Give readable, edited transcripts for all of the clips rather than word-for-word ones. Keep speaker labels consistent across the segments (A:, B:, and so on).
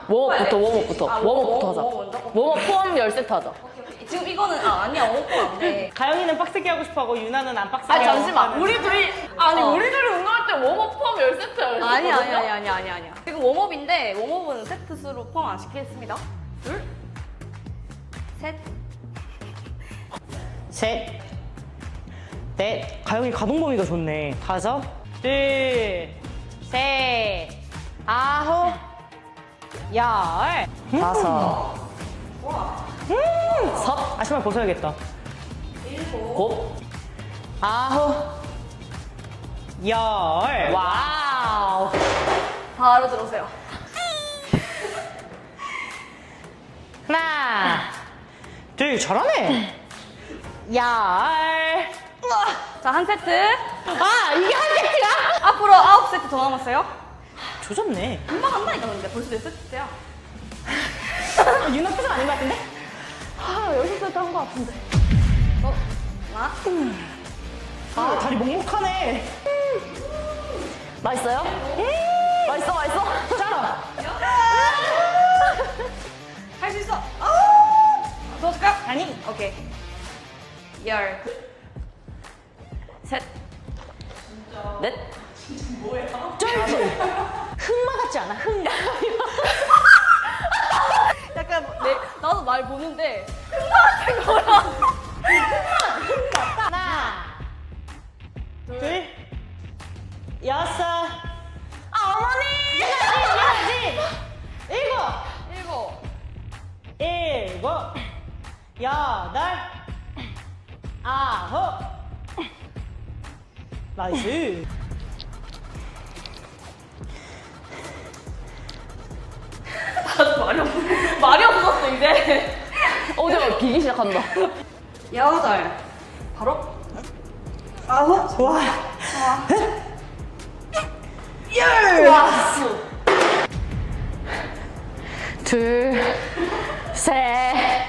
A: 웜업부터
B: 아,
A: 하자.
B: 웜업 먼저?
A: 웜업 포함 10세트 하자.
B: 지금 이거는 아니야 웜업 안 돼.
C: 가영이는 빡세게 하고 싶어하고 유나는 안 빡세게
A: 아
C: 하고
A: 잠시만
C: 싶어하는.
A: 우리 둘이 아니 우리 둘이 운동할 때 웜업 포함 10세트야.
B: 아니야. 지금 웜업인데 웜업은 세트 수로 포함 안 시키겠습니다. 둘, 셋.
C: 셋, 넷. 가영이 가동 범위가 좋네. 다섯, 둘, 셋, 아홉, 열.
A: 다섯,
C: 아, 신발 벗어야겠다.
A: 곱,
C: 아홉, 열.
A: 와우.
B: 바로 들어오세요.
C: 하나, 둘, 잘하네. 열.
B: 자, 한 세트.
C: 아, 이게 한 세트야?
B: 앞으로 9세트 더 남았어요.
C: 조졌네.
B: 금방 한다니까 근데 벌써 4세트야.
C: 유나 표정 아닌 것 같은데?
A: 아 10세트 한 거 같은데.
B: 하나.
C: 아, 다리 먹먹하네.
A: 맛있어요? 맛있어.
C: 자,
B: 할 수 있어. 더 줄까?
C: 아니.
B: 오케이. 열.
A: 셋, 넷.
C: 쩔지? 흑마 같지 않아? 흑마.
B: 약간 나도 말 보는데 흑마 같은 거랑.
C: 하나, 둘, 여섯.
A: 아 어머니.
C: 해야지. 일곱,
B: 일곱.
C: 여덟, 아홉. 나이스.
B: 말이 없었어 이제.
A: 어제 비기 시작한다.
B: 여덟. 바로. 아홉.
C: 와.
A: 둘, 셋,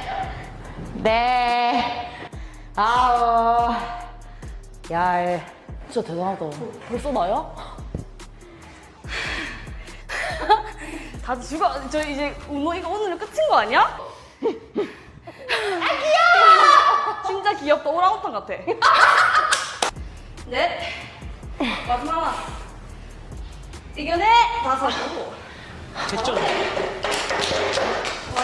A: 넷, 아홉, 열. 진짜 대단하다. 벌써 나야?
B: 다들 죽어. 저 이제 이거 오늘은 끝인 거 아니야? 아 귀여워. 진짜 귀엽다. 오랑우탄 같아. 넷. 마지막 하나. 이겨내. 다섯.
C: 됐죠?